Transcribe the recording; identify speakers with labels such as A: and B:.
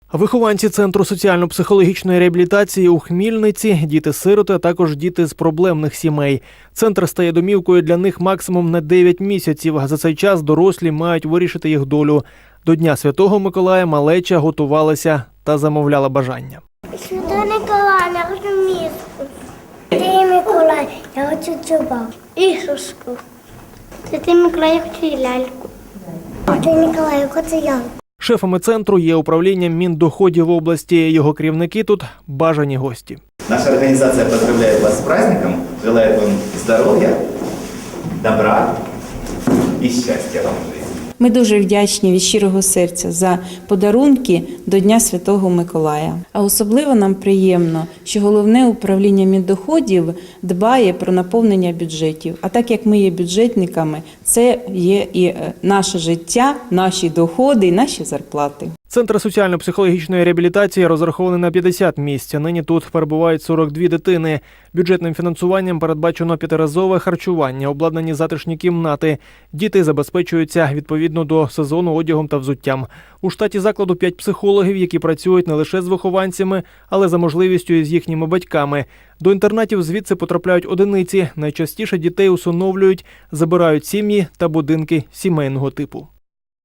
A: Вихованці Центру соціально-психологічної реабілітації у Хмільниці – діти-сироти, а також діти з проблемних сімей. Центр стає домівкою для них максимум на 9 місяців. За цей час дорослі мають вирішити їх долю. До Дня Святого Миколая малеча готувалася та замовляла бажання.
B: Святий Миколай, я хочу міску. Святий Миколай, я хочу чубак. Іграшку. Святий Миколай, я хочу ляльку. Святий Миколай, я хочу ялку.
A: Шефами центру є управління Міндоходів області. Його керівники тут – бажані гості.
C: Наша организация поздравляет вас с праздником, желает вам здоровья, добра и счастья вам в жизни.
D: Ми дуже вдячні від щирого серця за подарунки до Дня Святого Миколая. А особливо нам приємно, що головне управління Міндоходів дбає про наповнення бюджетів. А так як ми є бюджетниками, це є і наше життя, наші доходи і наші зарплати.
A: Центр соціально-психологічної реабілітації розрахований на 50 місць. Нині тут перебувають 42 дитини. Бюджетним фінансуванням передбачено 5-разове харчування, обладнані затишні кімнати. Діти забезпечуються відповідно до сезону одягом та взуттям. У штаті закладу 5 психологів, які працюють не лише з вихованцями, але за можливістю і з їхніми батьками. До інтернатів звідси потрапляють одиниці. Найчастіше дітей усиновлюють, забирають сім'ї та будинки сімейного типу.